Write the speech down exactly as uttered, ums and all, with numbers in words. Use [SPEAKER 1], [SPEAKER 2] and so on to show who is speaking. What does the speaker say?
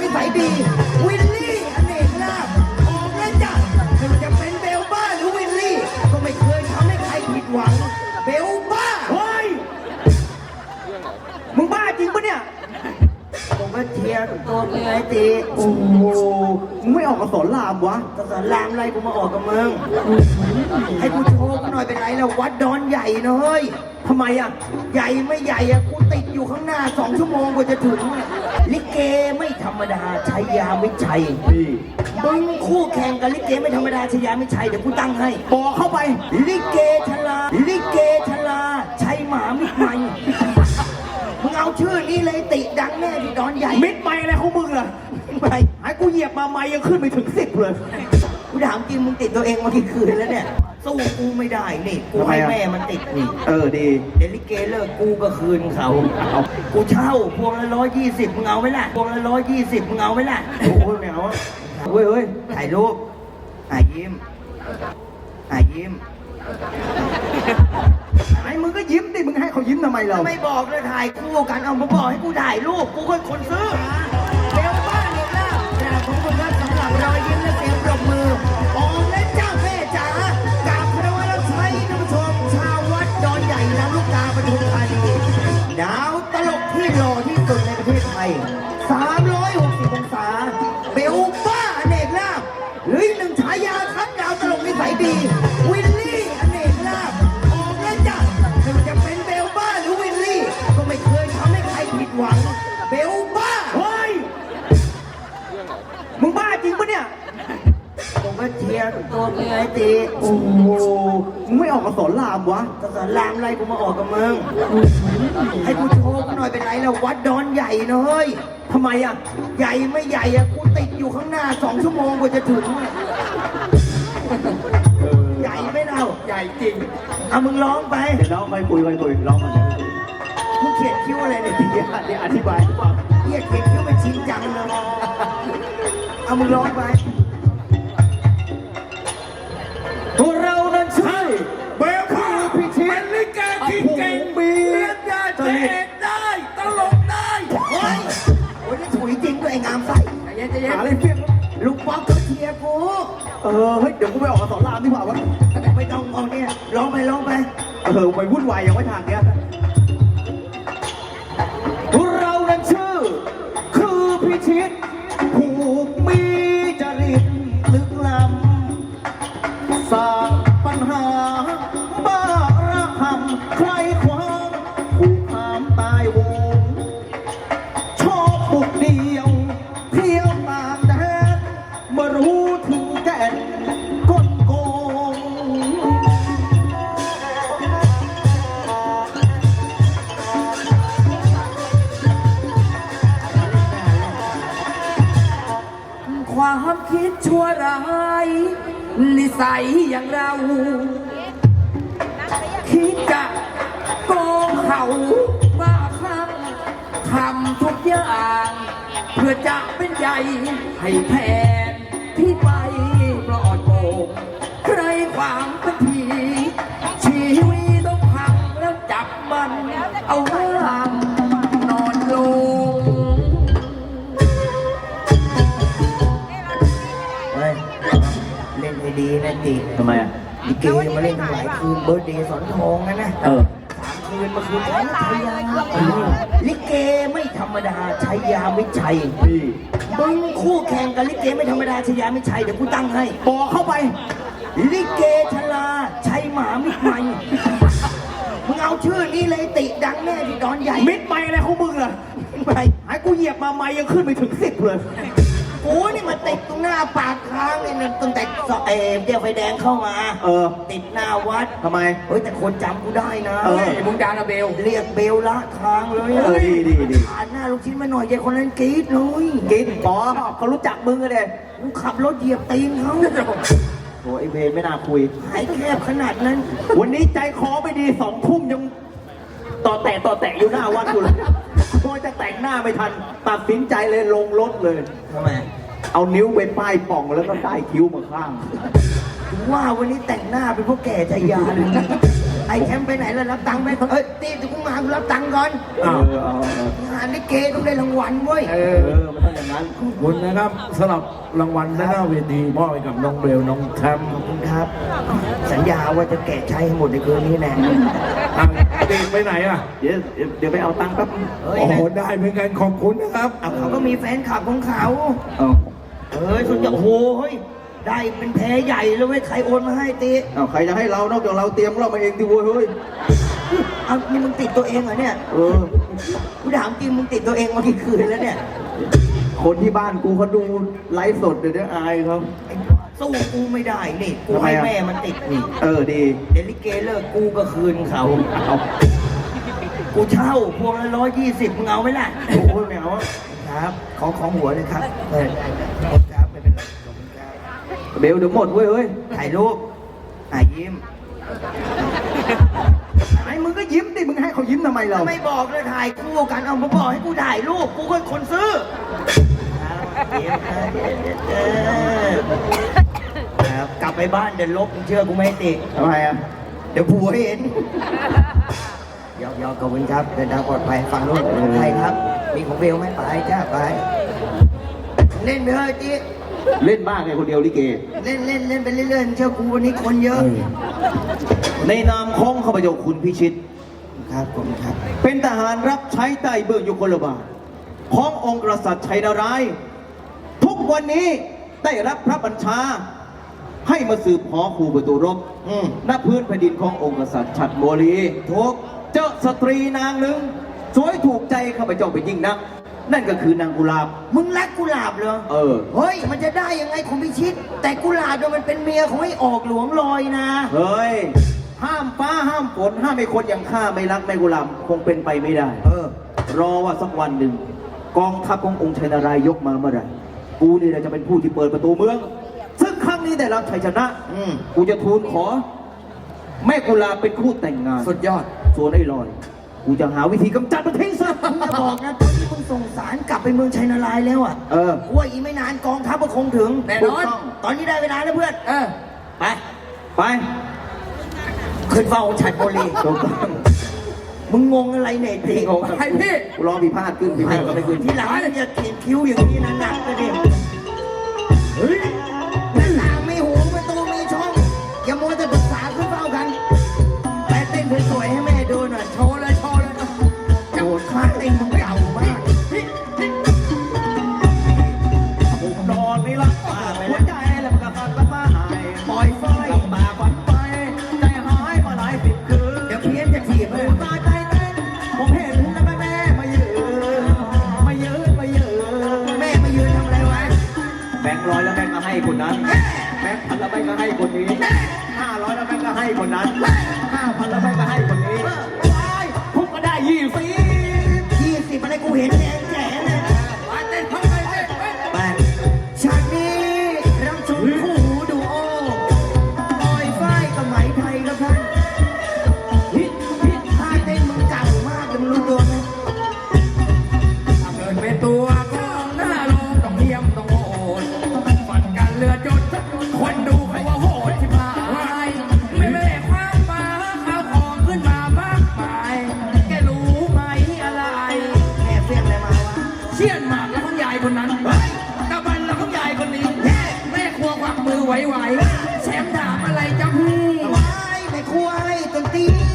[SPEAKER 1] สัยดีวิลลี่อเนกลาภออกแล้วจ้ะไม่ว่าจะเป็นเบลบ้าหรือวิลลี่ก็ไม่เคยทำให้ใครผิดหวังเบลบ้าเฮ้ยมึงบ้าจริงปะเนี่ยผมก็เชียร์ตัวมึงไงตีโอ้โหมึงไม่ออกกับสอนรามวะกับสอนรามอะไรกูมาออกกับมึงให้กูโชว์หน่อยเป็นไรแล้ววัดดอนใหญ่นะเฮ้ยทำไมอ่ะใหญ่ไม่ใหญ่อ่ะกูติดอยู่ข้างหน้าสองชั่วโมงกว่าจะถึงลิเกไม่ธรรมดาชัยยามิชัยมึงคู่แข่งกับลิเกไม่ธรรมดาชัยยามิชัยเดี๋ยวกูตั้งให้บอกเข้าไปลิเกชลาลิเกชลาชัยหมามิตรใหม่มึงเอาชื่อนี้เลยติดังแน่ที่ดอนใหญ่มิตรใหม่อะไรของมึงล่ะไปให้กูเหยียบมาไม่ยังขึ้นไปถึงสิบเลยกูถามจริงมึงติดตัวเองมากี่คืนแล้วเนี่ยสู้กูไม่ได้นี่กูให้แม่มันติดนี่เออดีเดี๋ยวลิเกเลิกกูก็คืนเขาเอากูเช่าพวงละร้อยยี่สิบมึงเอาไหมล่ะพวงละร้อยยี่สิบมึงเอาไหมล่ะโอ้โหเหนียวเฮ้ยเฮ้ยถ่ายรูปถ่ายยิ้มถ่ายยิ้มไอ้มึงก็ยิ้มดิมึงให้เขายิ้มทำไมเราไม่บอกเลยถ่ายคู่กันเอามาบอกให้กูถ่ายรูปกูเป็นคนซื้อเบลบ้านเนี่ยนะแต่ผมคนนั้นสำหรับรอยยิ้มและเสียงปรบมือออมและเจ้าแม่จ๋ากราบพระวรชัยท่านผู้ชมชาววัดดอนใหญ่น้ำลูกกาปทุมธานีดาวตลกที่หล่อที่สุดในประเทศไทยสามร้อยหกสิบองศาเบลบ้าอเนกลาภหรือหนึ่งฉายาครับดาวตลกนิสัยดีวิลลี่อเนกลาภออกแล้วจ้ะไม่ว่าจะเป็นเบลบ้าหรือวิลลี่ก็ไม่เคยทำให้ใครผิดหวังเบลบ้าเฮ้ยมึงบ้าจริงปะเนี่ยผมก็เชียร์ตัวมึงไงตีโอ้โหมึงไม่ออกกับสอนรามวะกับสอนรามอะไรกูมาออกกับมึงให้กูโชว์หน่อยเป็นไรแล้ววัดดอนใหญ่นะเฮ้ยทำไมอ่ะใหญ่ไม่ใหญ่อ่ะกูติดอยู่ข้างหน้าสองชั่วโมงกว่าจะถึงใหญ่ไม่เล่าใหญ่จริงเอามึงร้องไปเดี๋ยวร้องไปคุยไปคุยร้องมามึงเขียนคิ้วอะไรเนี่ยทีเดียวเดี๋ยวอธิบายเฮียเขียนคิ้วเป็นชิ้นจังเลยเอามึงร้องไปพวกเรานั้นใช่เบลคือพิชิตเป็นลิเกที่เก่งมีเรียนได้เตะได้ตลกได้เฮ้ยโอ้ยนี่ถุยจริงด้วยไอ้งามไส้หาอะไรเพี้ยนลูกป๊อกก็เชียร์กูเออเฮ้ยเดี๋ยวกูไปออกกับสอนรามดีกว่าวะไม่ต้องเอาเนี่ยร้องไปร้องไปเออไปวุ่นวายอย่างไม่ทางเนี้ยพวกเรานั้นชื่อคือพิชิตผูกมีจริตลึกล้ำสร้างปัญหาบ้าระหำใครขวางผูกหามตายวงชอบบุกเดียวเที่ยวตามแดนมารู้ถึงแก่นกลโกงความคิดชั่วร้ายนิสัยอย่างเราคิดจะโกงเขาบ้าคลั่งทำทุกอย่างเพื่อจะเป็นใหญ่ให้แผนที่ไปปลอดโปร่งใครขวางสักทีชีวิตต้องพังแล้วจับมันเอาห้ามนอนลงเล่นให้ดีนะติทำไมอ่ะลิเกมาเล่นหลายคืนเบิร์ดเดย์สอนทองนะนะเออสามคืนมาคืนของชัยยาลิเกไม่ธรรมดาชัยยามิชัยมึงคู่แข่งกับลิเกไม่ธรรมดาชัยยามิชัยเดี๋ยวกูตั้งให้บอกเข้าไปลิเกชลาชัยหมามิตรใหม่มึงเอาชื่อนี้เลยติดังแน่ที่ดอนใหญ่มิตรใหม่อะไรของมึงล่ะไปให้กูเหยียบมาไม่ยังขึ้นไปถึงสิบเลยโอ้นี่มาติดตรงหน้าปากทางเลยนะตั้งแต่เอเดียวไฟแดงเข้ามาเออติดหน้าวัดทำไมเฮ้ยแต่คนจำกูได้นะเออมึงดานาเบลเรียกเบลละทางเลยเออดีดีดีผ่านหน้าลูกชิ้นมาหน่อยยายคนนั้นกรี๊ดเลยกรี๊ดป๋อเขารู้จักมึงเลยมึงขับรถเหยียบตีนเขาโอ้ไอเบลไม่น่าคุยหายแคบขนาดนั้นวันนี้ใจคอไม่ดีสองทุ่มยังต่อแตะต่อแตะอยู่หน้าวัดอยู่เลยพอจะแต่งหน้าไม่ทันตัดสินใจเลยลงรถเลยทำไมเอานิ้วไปป้ายป่องแล้วก็ได้คิ้วมาข้างว่าวันนี้แต่งหน้าเป็นพวกแก่ใจยาเลยไอ้แคมป์ไปไหนแล้วรับตังค์ไหมเอ้ยตีถึงกูมากูรับตังค์ก่อน
[SPEAKER 2] อ้าวเอาเอา
[SPEAKER 1] งานลิเกต้องได้รางวัลเว้ย
[SPEAKER 2] เออมันต้องอย่างนั้นขอบคุณนะครับสำหรับรางวัลหน้าเวทีมอบให้กับน้องเบลน้องแคม
[SPEAKER 1] ขอบคุณครับ สัญญาว่าจะแกะใช้ให้หมดในคืนนี้แน่
[SPEAKER 2] อ่ะเด็กไปไหนอ่ะ
[SPEAKER 3] เดี๋ยวเดี๋ยวไปเอาตังค์แป๊บ
[SPEAKER 1] เฮ้ย
[SPEAKER 2] โอ้โหได้เหมือนกันขอบคุณนะครับ
[SPEAKER 1] เอาเขาก็มีแฟนคลับของเขา
[SPEAKER 3] เอา
[SPEAKER 1] เอ้ยสุดยอดโอ้โหเฮ้ยได้เป็นแพ้ใหญ่เลยเว้ยใครโอนมาให้ตี
[SPEAKER 3] เอาใครจะให้เรานอกจากเราเตรียมเรามาเองดิเว้ยเฮ้ย
[SPEAKER 1] เอานี่มึงติดตัวเองเหรอเนี่ย
[SPEAKER 3] เออ
[SPEAKER 1] กูถามจริงมึงติดตัวเองมากี่คืนแล้วเนี่ย
[SPEAKER 3] คนที่บ้านกูเขาดูไลฟ์สดเดี๋ยวนี้อายเขา
[SPEAKER 1] ไอ้สู้กูไม่ได้นี่กู
[SPEAKER 3] ทำไม
[SPEAKER 1] ให้
[SPEAKER 3] อะ
[SPEAKER 1] แม่มันติดนี่
[SPEAKER 3] เออดี
[SPEAKER 1] เดยวลิเกเลิกกูก็คืนเขา
[SPEAKER 3] เอา
[SPEAKER 1] กูเช่าพวงละร้อยยี่สิบมึงเอาไหมล่ะ
[SPEAKER 3] โอ้ยแมวอะ
[SPEAKER 1] ครับของของหัวเลยครับเออขอบคุณครับไม่เป็นไรขอบคุณครับ
[SPEAKER 3] เบลเดี๋ยวหมดเว้ยเฮ้ย
[SPEAKER 1] ถ่ายรูปอ่ะยิ้ม
[SPEAKER 3] ไอ้มึงก็ยิ้มดิมึงให้เขายิ้มทำไมเรา
[SPEAKER 1] ไม่บอกเลยถ่ายคู่กันเอามาบอกให้กูถ่ายรูปกูก็คนซื้อยิ้มนะเออครับกลับไปบ้านเดี๋ยวลบมึงเชื่อกูไม่ให้ติด
[SPEAKER 3] ทำไมอ่ะ
[SPEAKER 1] เดี๋ยวผัวเห็นยอกยอกขอบคุณครับเดินทางปลอดภัยฟังนู้นใครครับ มีของเบลไหมไปจ้าไป เล่นไปเถอะจี
[SPEAKER 3] เล่นบ้าไงคนเดียวลิเก
[SPEAKER 1] เล่นเล่นเล่นไปเรื่อยๆเชื่อกูวันนี้คนเยอะ
[SPEAKER 3] ในนามของข้าพเจ้าคุณพิชิต
[SPEAKER 1] ครับผมครับ
[SPEAKER 3] เป็นทหารรับใช้ใต้เบื้องยุคลบาทขององค์กษัตริย์ชัยนารายณ์ทุกวันนี้ได้รับพระบัญชา ให้มาสืบหอคูประตูรบ
[SPEAKER 1] อืม
[SPEAKER 3] ณพื้นแผ่นดินขององค์กษัตริย์ฉัตรโมลีทุกเจอสตรีนางหนึ่งสวยถูกใจข้าพเจ้าเป็นยิ่งนัก นั่นก็คือนางกุลาบ
[SPEAKER 1] มึงรักกุหลาบเหรอ
[SPEAKER 3] เออ
[SPEAKER 1] เฮ้ยมันจะได้ยังไงคุณพิชิต แต่กุหลาบเนี่ยมันเป็นเมียของไอ้ออกหลวงลอยนะ
[SPEAKER 3] เฮ้ย ห้ามฟ้าห้ามฝนห้ามไอ้คนอย่างข้าไม่รักแม่กุลาบคงเป็นไปไม่ได้
[SPEAKER 1] เออ
[SPEAKER 3] รอว่าสักวันหนึ่งกองทัพขององค์ชัยนารายณ์ยกมาเมื่อไหร่กูนี่แหละจะเป็นผู้ที่เปิดประตูเมือง ซึ่งครั้งนี้ได้รับชัยชนะ
[SPEAKER 1] อืม
[SPEAKER 3] กูจะทูลขอ แม่กุลาเป็นคู่แต่งงาน
[SPEAKER 1] สุดยอด
[SPEAKER 3] ส่วนไอ้ลอย กูจะหาวิธีกำจัดมันทิ้งซะ
[SPEAKER 1] มึงอย่าบอกนะตอนที่มึงส่งสารกลับไปเมืองชัยนารายณ์แล้วอ่ะ
[SPEAKER 3] เออ
[SPEAKER 1] กูว่าอีกไม่นานกองทัพก็คงถึง
[SPEAKER 3] แน่นอน
[SPEAKER 1] ตอนนี้ได้เวลาแล้วเพื่อน เออ ไป
[SPEAKER 3] ไป
[SPEAKER 1] ขึ้นเฝ้าฉัดโบรี
[SPEAKER 3] ถูกต้อง
[SPEAKER 1] มึงงงอะไรเนี่ยตี
[SPEAKER 3] งง
[SPEAKER 1] ไปพี่
[SPEAKER 3] กูรอพี่พลาดขึ้นพี่พลาดก็ไม่ขึ้น
[SPEAKER 1] ที่หลังอย่าเขียนคิ้วอย่างนี้นะหนักเลยดิเฮ้ยหน้าต่างมีหูประตูมีช่อง อย่ามัวแต่ปรึกษาขึ้นเฝ้ากัน ไปเต้นสวยๆให้แม่ดูหน่อย โชว์เลยโชว์เลยโอ้โหท่าเต้นมึงเก่ามาก
[SPEAKER 3] ผมนอนไม่หลับมากหัวใจแล้วมันก็ฟันก็มาหาย
[SPEAKER 1] ปล่อยไฟ
[SPEAKER 3] ลำบากวันไปใจหายมาหลายสิบคืน
[SPEAKER 1] เดี๋ยวเพี้ยนจะถีบเลย
[SPEAKER 3] ตายใจเต้นผมเห็นแล้วแม่แม่มายืนมายืนมายืน
[SPEAKER 1] แม่มายืนทำอะไรวะ
[SPEAKER 3] แบงค์ร้อยแล้วแบงค์ก็ให้คนนั้น แบงค์พันแล้วแบงค์ก็ให้คนนี้ห้าร้อยแล้วแบงค์ก็ให้คนนั้นห้าพันแล้วแบงค์ก็ให้คนนี้ว้ายผมก็ได้ยี่สิบ
[SPEAKER 1] ยี่สิบอะไรกูเห็นแดงแจ๋เลยไปเต้นเข้าไปไปฉากนี้เราชมคู่หูดูโอปล่อยฝ้ายกับไหมไทยครับท่านฮิตฮิตท่าเต้นมึงเก่ามากเลยมึงรู้ตัวไหม
[SPEAKER 4] ถ้าเกิดเป็นตัวก็หน้าโลงต้องเยี่ยมต้องโหดฝันกันเรือจดคนดูเขาว่าโหดที่พายไม่แม่ความมาข้าวของขึ้นมามากมายแกรู้ไหมอะไร
[SPEAKER 1] แม่เฟี้ยงอะไรมาวะ
[SPEAKER 4] เชี่ยนหมากแล้วของยายคนนั้นตะบันแล้วของยายคนนี้แม่ครัวควักมือไหวๆแชมป์ถามอะไรจ๊ะพี่
[SPEAKER 1] ว้ายไม่ครัวให้ดนตรี